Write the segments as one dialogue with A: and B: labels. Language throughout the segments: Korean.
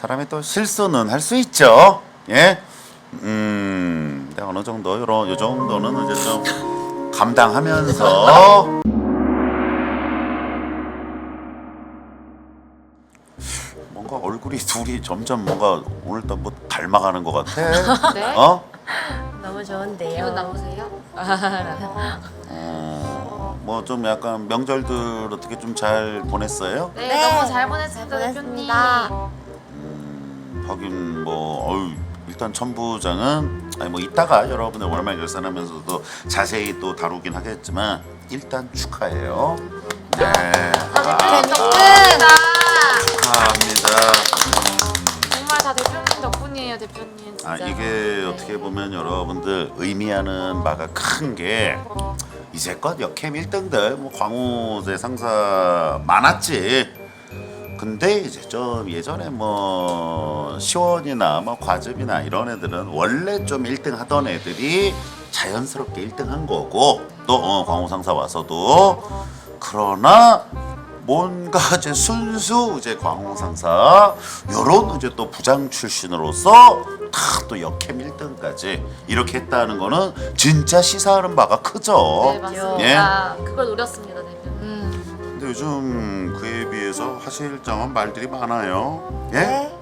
A: 사람이 또 실수는 할 수 있죠. 예. 근데 어느 정도 요 정도는 이제 좀 감당하면서 뭔가 얼굴이 둘이 점점 뭔가 오늘따라 뭐 닮아가는 것 같아.
B: 네?
A: 어?
C: 너무 좋은데요.
B: 기분 나쁘세요?
A: 뭐 좀 약간 명절들 어떻게 좀 잘 보냈어요?
B: 네,
C: 네,
B: 너무 잘 보냈습니다,
C: 잘
B: 대표님.
C: 보냈습니다.
A: 하긴 뭐 일단 천부장은 아니 뭐 이따가 여러분들 월말 결산하면서도 자세히 또 다루긴 하겠지만 일단 축하해요. 네.
B: 대표님 덕분입니다.
A: 축하합니다.
B: 정말 다 대표님 덕분이에요, 대표님. 진짜.
A: 이게 어떻게 보면 여러분들 의미하는 바가 큰 게 이제껏 역캠 1등들 뭐 광우제 상사 많았지. 근데 이제 좀 예전에 뭐 시원이나 뭐 과즙이나 이런 애들은 원래 좀 1등 하던 애들이 자연스럽게 1등 한 거고 또 광우 상사 와서도 그러나 뭔가 이제 순수 이제 광우 상사 요런 이제 또 부장 출신으로서 다 또 역캠 1등까지 이렇게 했다는 거는 진짜 시사하는 바가 크죠.
B: 네, 맞습니다. 그걸 노렸습니다, 대표님.
A: 근데 요즘 그에 비해서 하실 점은 말들이 많아요. 예?
C: 네.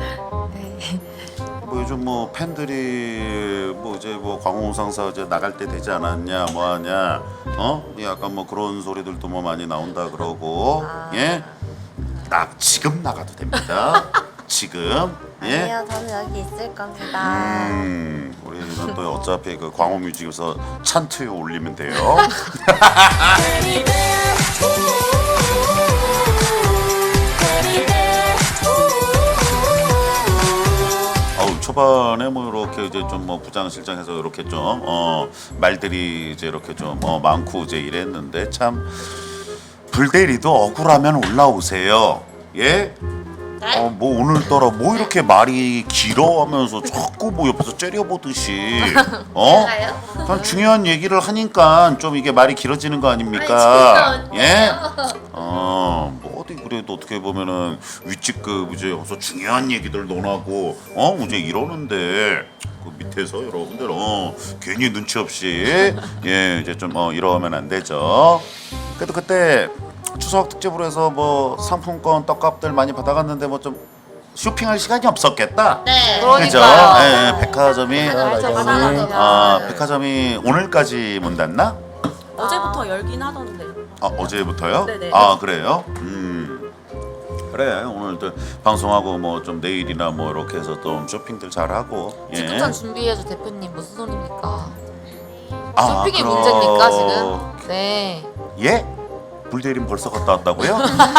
A: 뭐 요즘 뭐 팬들이 뭐 이제 뭐 광우 상사 이제 나갈 때 되지 않았냐 뭐 하냐 약간 뭐 그런 소리들도 뭐 많이 나온다 그러고 예? 지금 나가도 됩니다. 지금 예?
C: 아니요, 저는 여기 있을 겁니다.
A: 우리는 또 어차피 그 광우 뮤직에서 찬투에 올리면 돼요. 초반에 뭐 이렇게 이제 좀 뭐 부장실장해서 이렇게 좀 말들이 이제 이렇게 좀 많고 이제 이랬는데 참 불대리도 억울하면 올라오세요. 예? 뭐 오늘따라 뭐 이렇게 말이 길어 하면서 자꾸 뭐 옆에서 째려보듯이 그냥 중요한 얘기를 하니까 좀 이게 말이 길어지는 거 아닙니까? 예? 뭐 어디 그래도 어떻게 보면은 윗집급 이제 여기서 중요한 얘기들 논하고 이제 이러는데 그 밑에서 여러분들 괜히 눈치 없이 예 이제 좀 이러면 안 되죠. 그래도 그때 추석 특집으로 해서 뭐 상품권 떡값들 많이 받아갔는데 뭐 좀 쇼핑할 시간이 없었겠다.
B: 네,
A: 그죠?
B: 그러니까요.
A: 예, 백화점이 백화점이 오늘까지 문 닫나?
D: 어제부터 열긴 하던데.
A: 어제부터요?
D: 네네.
A: 그래요? 그래 오늘도 방송하고 뭐 좀 내일이나 뭐 이렇게 해서 좀 쇼핑들 잘 하고.
B: 직급전 준비해줘, 대표님. 무슨 소리입니까?
A: 아,
B: 쇼핑이
A: 그럼-
B: 문제입니까, 지금? 네.
A: 예? 불대림 벌써 갔다 왔다고요?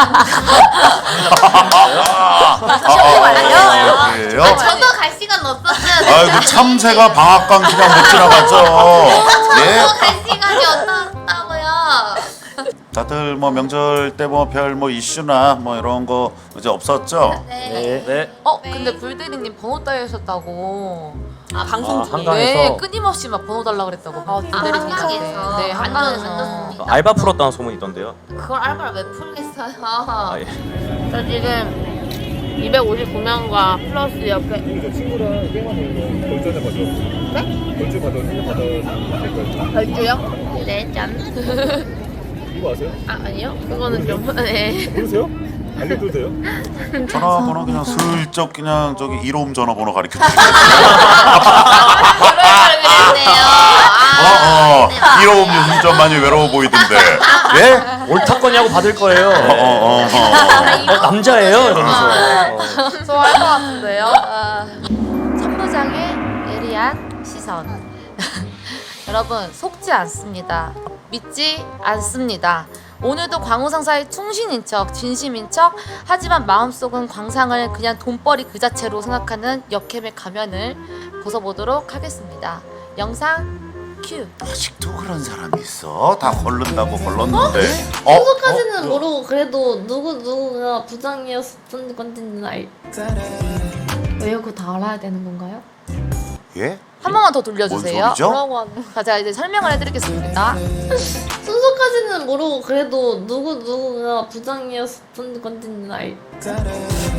A: 그래요?
B: 저도 갈 시간 없었어요.
A: 아이고 참새가 방앗간 기간 못 지나갔죠. 예?
B: 갈 시간이 없었다고요.
A: 다들 뭐 명절 때 뭐 별 뭐 이슈나 뭐 이런 거 이제 없었죠?
C: 네.
E: 네.
B: 근데 불대리님 번호 따이셨다고.
D: 방송 중에.
E: 한강에서
B: 네, 끊임없이 막 번호 달라 그랬다고. 불대리님한테.
C: 한강에서.
B: 네,
C: 안
B: 한강에서.
E: 알바 풀었다는 소문이 있던데요.
C: 그걸 알바를 왜 풀겠어요?
E: 아 예.
F: 저 지금 259명과 플러스 옆에
G: 저 친구랑 게임하고 있는 거 결전해 봐줘. 네? 결주 받아
F: 별주요? 네, 짠.
G: 이거 아세요?
F: 아니요. 그거는 좀 네.
G: 모르세요? 알려도 돼요?
A: 전화번호 그냥 슬쩍 그냥 저기 1홈 전화번호 가르쳐 주세요.
B: 그랬네요.
A: 1홈 운전 많이 외로워 보이던데. 예?
E: 옳다거냐고 받을 거예요. 남자예요 이러면서.
B: 좋아할 것 같은데요. 천부장의 예리한 시선. 여러분 속지 않습니다. 믿지 않습니다. 오늘도 광우 상사의 충신인 척, 진심인 척, 하지만 마음속은 광상을 그냥 돈벌이 그 자체로 생각하는 역캠의 가면을 벗어보도록 하겠습니다. 영상 큐.
A: 아직도 그런 사람이 있어? 다 걸른다고 걸렀는데.
F: 소속까지는 모르고 그래도 누구가 부장이었던 건지는 왜요? 그거 다 알아야 되는 건가요?
A: 예?
B: 한 번만 더 돌려주세요.
A: 뭔 소리죠?
F: 뭐라고 하는
B: 자, 제가 이제 설명을 해드리겠습니다.
F: 순서까지는 모르고 그래도 누구가 부장이었던 건지는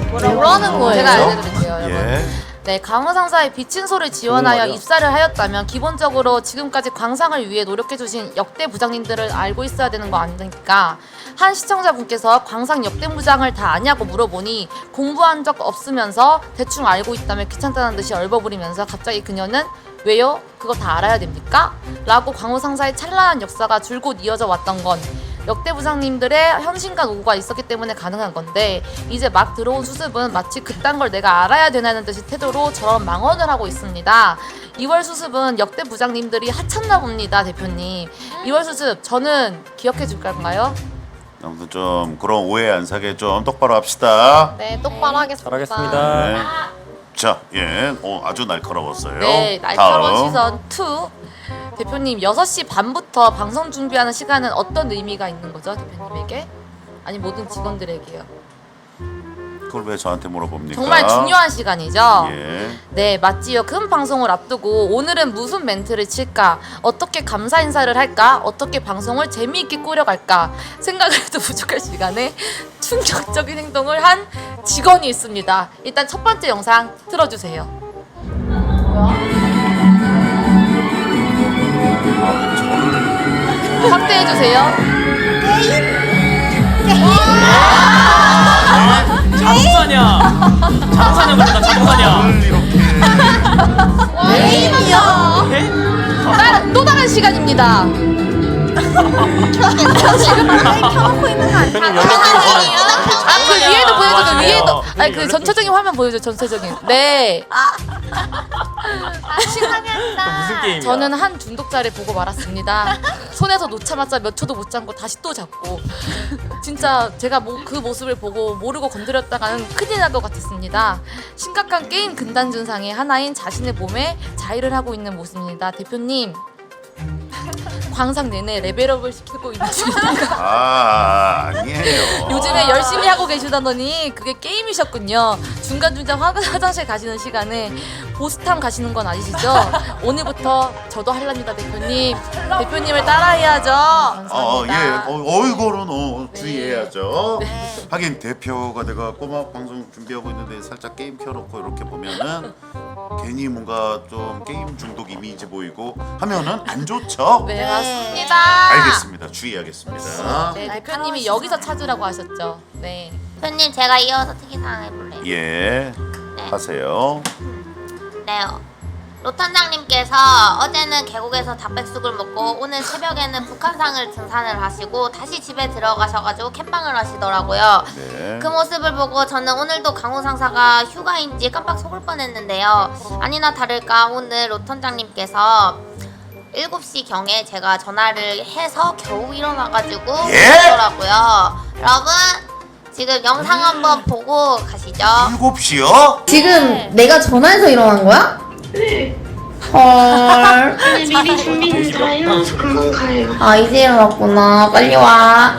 F: 뭐라는 거예요?
B: 제가 알려드릴게요, 여러분.
A: 예.
B: 네, 강호상사의 비친소를 지원하여
E: 말이야.
B: 입사를 하였다면 기본적으로 지금까지 광상을 위해 노력해주신 역대 부장님들을 알고 있어야 되는 거 아닙니까? 한 시청자분께서 광상 역대 부장을 다 아냐고 물어보니 공부한 적 없으면서 대충 알고 있다며 귀찮다는 듯이 얼버무리면서 갑자기 그녀는 왜요? 그거 다 알아야 됩니까? 라고 광호상사의 찬란한 역사가 줄곧 이어져 왔던 건 역대 부장님들의 헌신과 노고가 있었기 때문에 가능한 건데 이제 막 들어온 수습은 마치 그딴 걸 내가 알아야 되냐는 듯이 태도로 저런 망언을 하고 있습니다. 2월 수습은 역대 부장님들이 하찮나 봅니다, 대표님. 2월 수습 저는 기억해 줄 건가요?
A: 아무튼 좀 그런 오해 안 사게 좀 똑바로 합시다.
F: 네, 똑바로 하겠습니다.
E: 잘하겠습니다.
A: 네. 자, 예, 아주 날카로웠어요.
B: 네, 날카로운
A: 다음.
B: 시선 2. 대표님 6시 반부터 방송 준비하는 시간은 어떤 의미가 있는 거죠, 대표님에게? 아니 모든 직원들에게요.
A: 그걸 왜 저한테 물어봅니까?
B: 정말 중요한 시간이죠.
A: 예.
B: 네, 맞지요. 큰 방송을 앞두고 오늘은 무슨 멘트를 칠까? 어떻게 감사 인사를 할까? 어떻게 방송을 재미있게 꾸려갈까? 생각을 해도 부족할 시간에 충격적인 행동을 한 직원이 있습니다. 일단 첫 번째 영상 틀어주세요. 확대해주세요.
E: 자동사냐? 자동사냐 그러니까 자동사냐?
B: 게임이요. 또 다른 시간입니다.
C: 켜놓고 있는 거 아니야?
E: 대표님 연락처
B: 그 위에도 보여줘요.
E: 맞아요.
B: 위에도. 아니 그
E: 연락처
B: 전체적인 화면 보여줘. 전체적인. 네.
E: 무슨 게임이야?
B: 저는 한 중독자를 보고 말았습니다. 손에서 놓자마자 몇 초도 못 잡고 다시 또 잡고 진짜 제가 그 모습을 보고 모르고 건드렸다가는 큰일 날 것 같았습니다. 심각한 게임 근단 증상의 하나인 자신의 몸에 자의를 하고 있는 모습입니다. 대표님 광상 내내 레벨업을 시키고 있는 중입니다.
A: 아니에요.
B: 요즘에 열심히 하고 계시다더니 그게 게임이셨군요. 중간중간 화장실 가시는 시간에 보스탐 가시는 건 아니시죠? 오늘부터 저도 할랍니다, 대표님. 대표님을 따라해야죠. 감사합니다.
A: 예. 이거는 주의해야죠. 하긴 대표가 내가 꼬막 방송 준비하고 있는데 살짝 게임 켜놓고 이렇게 보면은 괜히 뭔가 좀 게임 중독 이미지 보이고 하면은 안 좋죠?
B: 네, 맞습니다.
A: 알겠습니다. 주의하겠습니다.
B: 네, 대표님이 여기서 찾으라고 하셨죠. 네.
C: 대표님 제가 이어서 특이사항 해볼래요.
A: 예. 하세요.
C: 네. 로탄장님께서 어제는 계곡에서 닭백숙을 먹고 오늘 새벽에는 북한산을 등산을 하시고 다시 집에 들어가셔가지고 캠방을 하시더라고요.
A: 네.
C: 그 모습을 보고 저는 오늘도 강호 상사가 휴가인지 깜빡 속을 뻔했는데요. 아니나 다를까 오늘 로탄장님께서 7시경에 제가 전화를 해서 겨우 일어나가지고 오시더라고요. 여러분 지금 영상 한번 보고 가시죠.
A: 7시요?
F: 지금 내가 전화해서 일어난 거야? 헐.
H: 미리 준비는 다 해놔서 금방 가요.
F: 아, 이제 일어났구나. 빨리 와.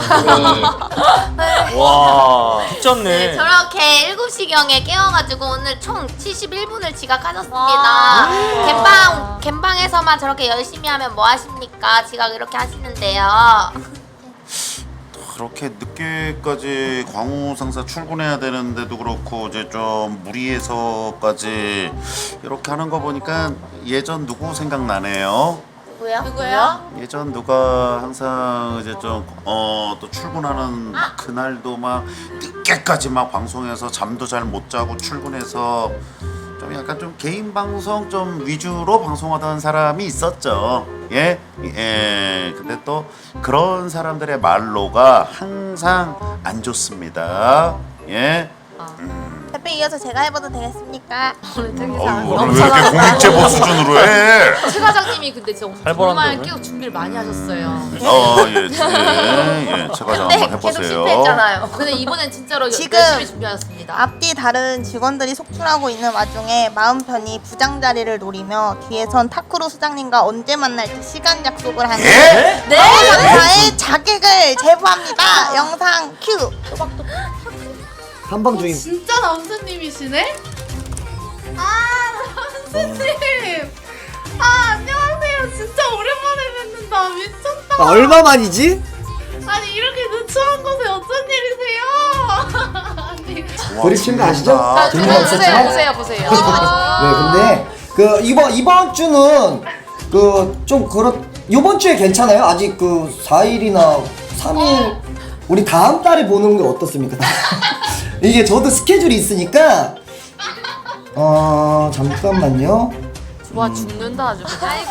E: 와 미쳤네.
C: 네, 저렇게 7시경에 깨워가지고 오늘 총 71분을 지각하셨습니다. 갬방에서만 저렇게 열심히 하면 뭐 하십니까? 지각 이렇게 하시는데요.
A: 그렇게 늦게까지 광우 상사 출근해야 되는데도 그렇고 이제 좀 무리해서까지 이렇게 하는 거 보니까 예전 누구 생각나네요.
B: 누구예요?
A: 예전 누가 항상 이제 좀 또 출근하는 그날도 막 늦게까지 막 방송해서 잠도 잘 못 자고 출근해서 좀 약간 좀 개인 방송 좀 위주로 방송하던 사람이 있었죠. 예? 근데 또 그런 사람들의 말로가 항상 안 좋습니다. 예?
C: 대표 이어서 제가 해봐도 되겠습니까?
B: 오늘 되게
A: 오늘 왜 이렇게 공익제보 수준으로 해?
B: 최 과장님이 근데 정말
E: 살벌한데,
B: 계속 준비를 많이 하셨어요.
A: 예, 제가 좀 한번 해보세요.
B: 근데 이번엔 진짜로
I: 지금
B: 열심히 준비하셨습니다.
I: 앞뒤 다른 직원들이 속출하고 있는 와중에 마음 편히 부장 자리를 노리며 뒤에선 타쿠로 수장님과 언제 만날지 시간 약속을 하는
A: 예?
I: 강사의 자객을 제보합니다. 영상 큐.
J: 한방 중임.
F: 진짜 남수님이시네? 남수님! 안녕하세요. 진짜 오랜만에 뵙는다. 미쳤다.
J: 얼마 만이지?
F: 아니, 이렇게 누추한 곳에 어쩐 일이세요? 아니,
J: 드립친 거 아시죠?
A: 아,
J: 재미없었지만.
B: 보세요.
J: 네, 근데 그 이번 주는 그 좀 이번 주에 괜찮아요? 아직 그 4일이나 3일 우리 다음 달에 보는 게 어떻습니까? 이게 저도 스케줄이 있으니까 잠깐만요.
B: 와 죽는다 아주.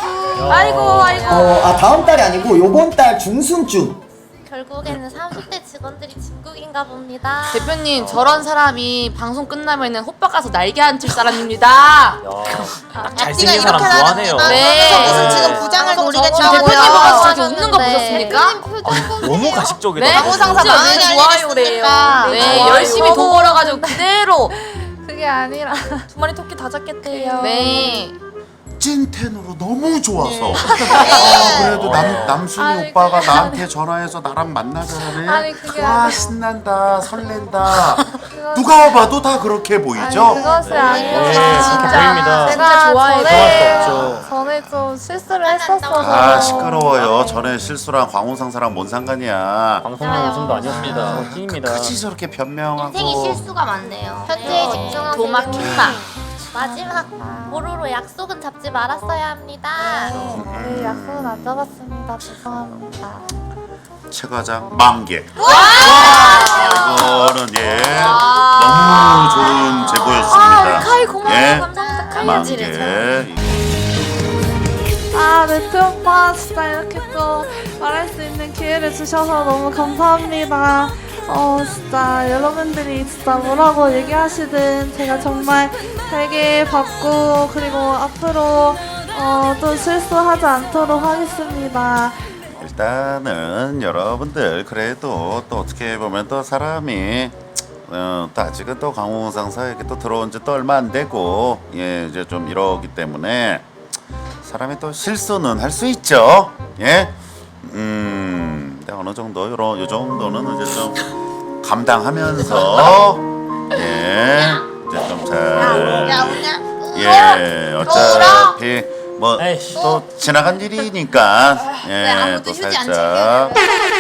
J: 다음 달이 아니고 요번 달 중순쯤.
C: 결국에는 30대 직원들이 진국인가 봅니다.
B: 대표님 저런 사람이 방송 끝나면은 호박 가서 날개 앉힐 사람입니다.
E: 딱 잘생긴 사람 좋아하네요.
B: 네.
I: 무슨 지금 부장을 노리겠다고요.
B: 대표님 보고 저렇게 웃는 거 보셨습니까?
E: 너무 가식적이다.
B: 네?
I: 강호상사
B: 진짜
I: 많이
B: 알리겠습니까? 네,
I: 좋아요.
B: 열심히 돈 벌어가지고 그대로.
F: 그게 아니라 두 마리 토끼 다 잡겠대요.
B: 네.
A: 찐텐으로 너무 좋아서
I: 네.
A: 그래도 남순이
F: 아니,
A: 오빠가
F: 그게
A: 나한테 전화해서 나랑 만나자래.
F: 아니, 그게
A: 와
F: 아니-
A: 신난다 설렌다. 누가 봐도 다 그렇게 보이죠?
F: 그것이 아니라
E: 네, 그렇게 보입니다.
F: 제가
E: 좋아할 수 없죠.
F: 전에 좀 실수를 했었어서
A: 아 시끄러워요. 전에 실수랑 광호상사랑 뭔 상관이야.
E: 방송용 웃음도 아니었습니다. 찐입니다.
A: 그치 저렇게 변명하고.
C: 인생이 실수가 많네요.
F: 현재에 집중하세요.
B: 도마 킹마.
C: 마지막 보루로 약속은 잡지 말았어야 합니다.
F: 네, 약속은 안 잡았습니다. 죄송합니다.
A: 최 과장 만개. 이거는 너무 좋은 제보였습니다.
B: 카이 고마워요.
A: 예.
B: 감사합니다. 카이
A: 만개.
F: 네, 오빠 진짜 이렇게 또 말할 수 있는 기회를 주셔서 너무 감사합니다. 진짜 여러분들이 진짜 뭐라고 얘기하시든 제가 정말 되게 받고 그리고 앞으로 또 실수하지 않도록 하겠습니다.
A: 일단은 여러분들 그래도 또 어떻게 보면 또 사람이 또 아직은 또 강호상사에게 또 들어온 지 또 얼마 안 되고 이제 좀 이러기 때문에 사람이 또 실수는 할 수 있죠. 근데 어느 정도 요 정도는 이제 좀 감당하면서 이제 좀 잘 어차피 뭐
E: 에이씨.
A: 또 지나간 일이니까 또 살짝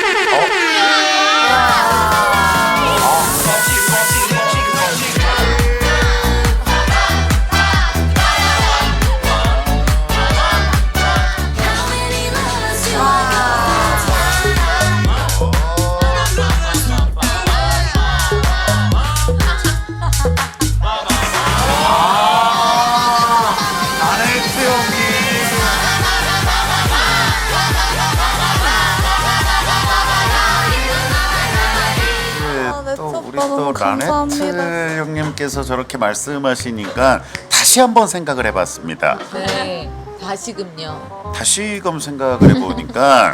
A: 또 우리 또 라네트 형님께서 저렇게 말씀하시니까 다시 한번 생각을 해봤습니다.
B: 네. 다시금요.
A: 다시금 생각을 해보니까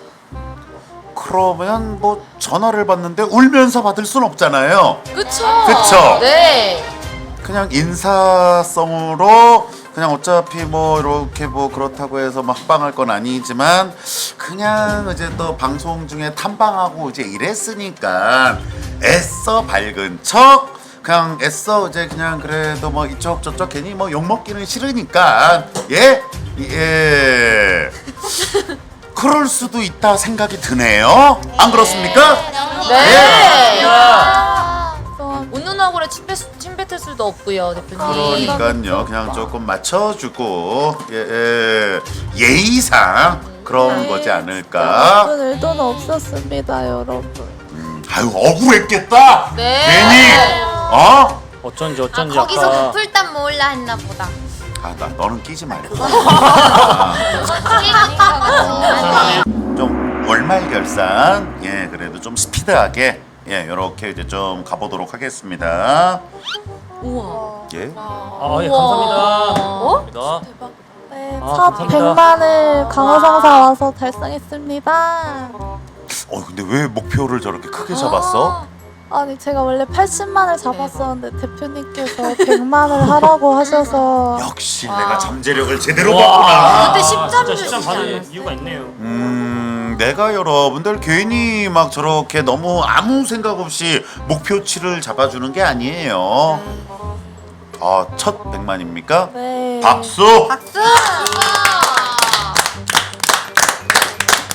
A: 그러면 뭐 전화를 받는데 울면서 받을 순 없잖아요.
B: 그쵸?
A: 그쵸?
B: 네.
A: 그냥 인사성으로 그냥 어차피 뭐 이렇게 뭐 그렇다고 해서 막 빵할 건 아니지만 그냥 이제 또 방송 중에 탐방하고 이제 이랬으니까 애써 밝은 척 그냥 애써 이제 그냥 그래도 뭐 이쪽 저쪽 괜히 뭐 욕 먹기는 싫으니까 그럴 수도 있다 생각이 드네요. 안 그렇습니까?
B: 네. 웃는 얼굴에 침 뱉을 수도 없고요, 대표님.
A: 그러니까요. 그냥 조금 맞춰주고 예의상 그런 거지 않을까.
F: 무슨 의도는 없었습니다, 여러분.
A: 아유 억울했겠다.
B: 네.
A: 괜히
E: 어쩐지
C: 거기서
E: 아까
C: 부풀단 모을라 했나 보다.
A: 나 너는 끼지 말고
C: 아니,
A: 좀 월말 결산 그래도 좀 스피드하게 이렇게 이제 좀 가보도록 하겠습니다.
B: 우와.
A: 예.
E: 감사합니다. 감사합니다.
F: 네,
E: 아,
F: 첫
E: 감사합니다.
F: 100만을 강호상사 와서 달성했습니다.
A: 근데 왜 목표를 저렇게 크게 잡았어?
F: 아니 제가 원래 80만을 잡았었는데 대표님께서 100만을 하라고 하셔서
A: 역시 내가 잠재력을 제대로
E: 와,
A: 봤구나.
B: 그때 10점
E: 진짜
B: 주시지
E: 10점 받을
B: 않았어요?
E: 이유가 있네요.
A: 내가 여러분들 괜히 막 저렇게 너무 아무 생각 없이 목표치를 잡아주는 게 아니에요. 첫 100만입니까?
F: 네.
A: 박수!
C: 박수!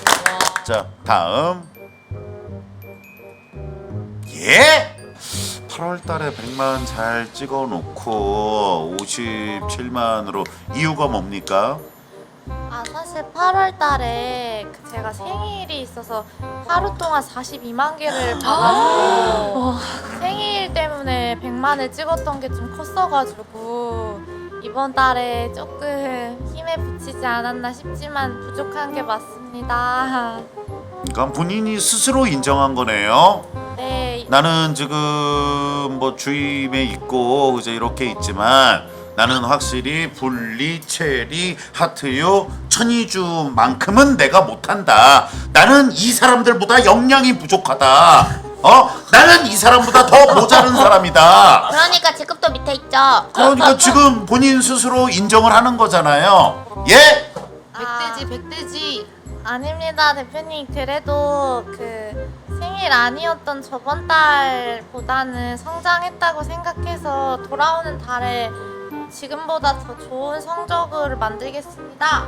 A: 자, 다음. 8월 달에 100만 잘 찍어 놓고 57만으로 이유가 뭡니까?
B: 아 사실 8월 달에 제가 생일이 있어서 하루 동안 42만 개를 받아서 생일 때문에 100만을 찍었던 게 좀 컸어가지고 이번 달에 조금 힘에 부치지 않았나 싶지만 부족한 게 맞습니다.
A: 그러니까 본인이 스스로 인정한 거네요.
B: 네,
A: 나는 지금 뭐 주임에 있고 이제 이렇게 있지만 나는 확실히 분리, 체리, 하트유, 천이주만큼은 내가 못한다. 나는 이 사람들보다 역량이 부족하다. 나는 이 사람보다 더 모자른 사람이다.
C: 그러니까 직급도 밑에 있죠.
A: 그러니까 지금 본인 스스로 인정을 하는 거잖아요. 예?
B: 백돼지. 아닙니다, 대표님. 그래도 그 생일 아니었던 저번 달보다는 성장했다고 생각해서 돌아오는 달에 지금보다 더 좋은 성적을 만들겠습니다.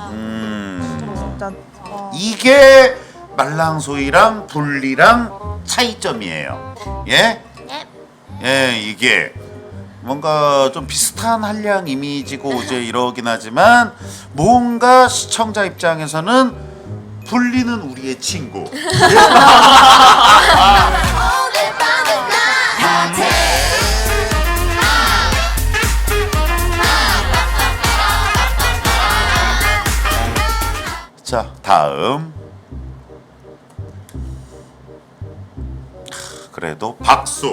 I: 진짜
A: 이게 말랑소이랑 분리랑 차이점이에요. 예?
C: 예.
A: 예, 이게 뭔가 좀 비슷한 한량 이미지고 이제 이러긴 하지만 뭔가 시청자 입장에서는 분리는 우리의 친구. 자, 다음. 그래도 박수.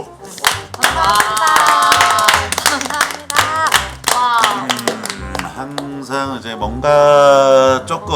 A: 항상 이제 뭔가 조금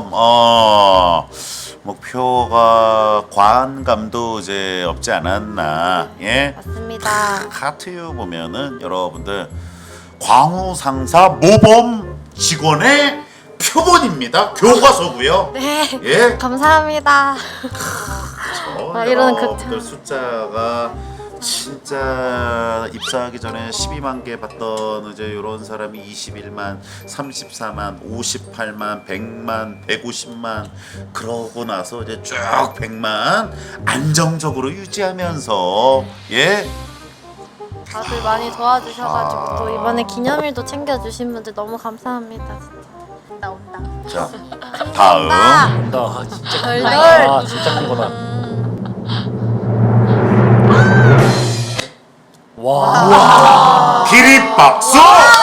A: 목표가 과한감도 이제 없지 않았나. 예?
B: 맞습니다.
A: 하트유 보면은 여러분들 광우 상사 모범 직원의 표본입니다. 교과서고요.
B: 네,
A: 예?
B: 감사합니다. 이러는
A: 여러분들
B: 극찬.
A: 숫자가 진짜 입사하기 전에 12만 개 받던 이제 이런 사람이 21만, 34만, 58만, 100만, 150만 그러고 나서 이제 쭉 100만 안정적으로 유지하면서 예?
B: 다들 많이 도와주셔가지고 또 이번에 기념일도 챙겨주신 분들 너무 감사합니다. 진짜.
I: 온다.
A: 자, 다음.
E: 나 진짜 큰 거다. 아, 진짜 큰 거다. 와.
A: 기립박수!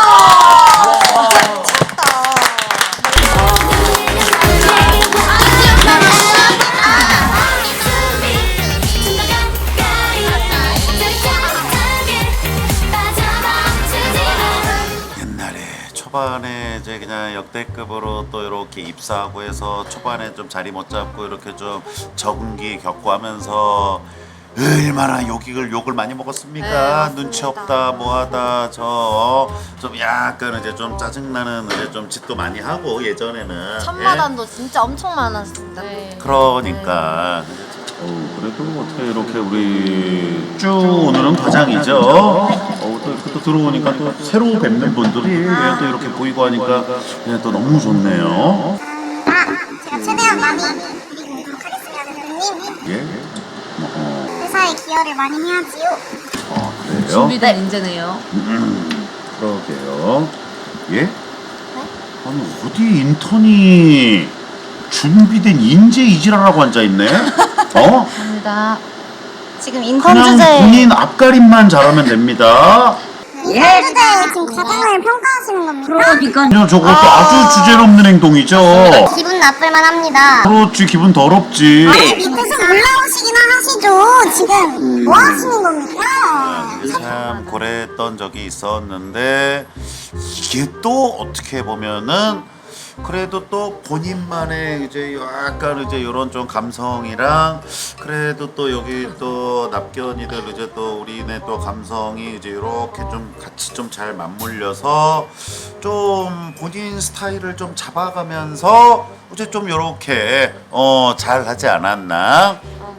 A: 옛날에 초반에 이제 그냥 역대급으로 또 이렇게 입사하고 해서 초반에 좀 자리 못 잡고 이렇게 좀 적응기 겪고 하면서 얼마나 욕을 많이 먹었습니까?
B: 네, 맞습니다.
A: 눈치 없다 뭐하다 저 좀 약간 이제 좀 짜증나는 이제 좀 짓도 많이 하고 예전에는
B: 천마단도 진짜 엄청 많았습니다. 네.
A: 그러니까 그래도 어떻게 이렇게 우리 쭉 오늘은 과장이죠. 또 이렇게 또 들어오니까 또 새로 뵙는 분들이 또 이렇게 보이고 하니까 또 너무 좋네요.
H: 제가 최대한 많이 드리고 하겠습니다, 대표님.
A: 예?
H: 회사에 기여를 많이 해야지요.
A: 그래요?
B: 준비된 인재네요.
A: 그러게요. 예? 아니 어디 인턴이 준비된 인재 이지라라고 앉아 있네?
B: 감사합니다.
H: 지금 인턴
A: 그냥
H: 주제에
A: 본인 앞가림만 잘하면 됩니다.
H: 인턴 주제에 지금 과장을 평가하시는 겁니까?
A: 그냥 저것도 아주 주제넘는 행동이죠.
H: 기분 나쁠만 합니다.
A: 그렇지, 기분 더럽지.
H: 아니 밑에서 올라오시기나 하시죠. 지금 뭐 하시는 겁니까?
A: 참 고랬던 적이 있었는데 이게 또 어떻게 보면은 그래도 또 본인만의 이제 약간 이제 이런 좀 감성이랑 그래도 또 여기 또 납견이들 이제 또 우리네 또 감성이 이제 이렇게 좀 같이 좀 잘 맞물려서 좀 본인 스타일을 좀 잡아가면서 이제 좀 이렇게 잘 하지 않았나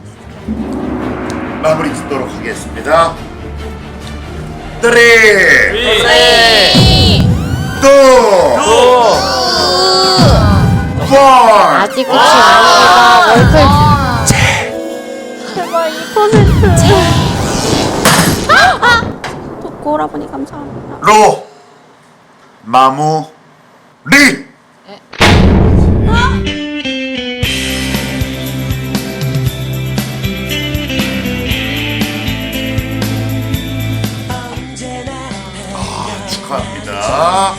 A: 마무리 짓도록 하겠습니다. 3, 2, 1.
B: 아직 끝이 아닙니다. 월클. 제발 2%.
D: 오라버니 감사합니다.
A: 로 마무 리. 축하합니다.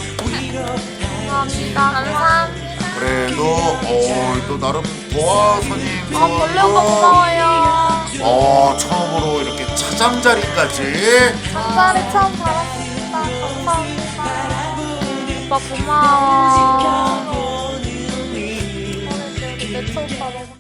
C: 감사합니다.
A: 그래도 또 나름 도화선임
C: 벌레 오빠 고마워요.
A: 처음으로 이렇게 차장 자리까지.
C: 감사를 처음 받았습니다. 감사합니다. 오빠 고마워. 내 첫 오빠 너무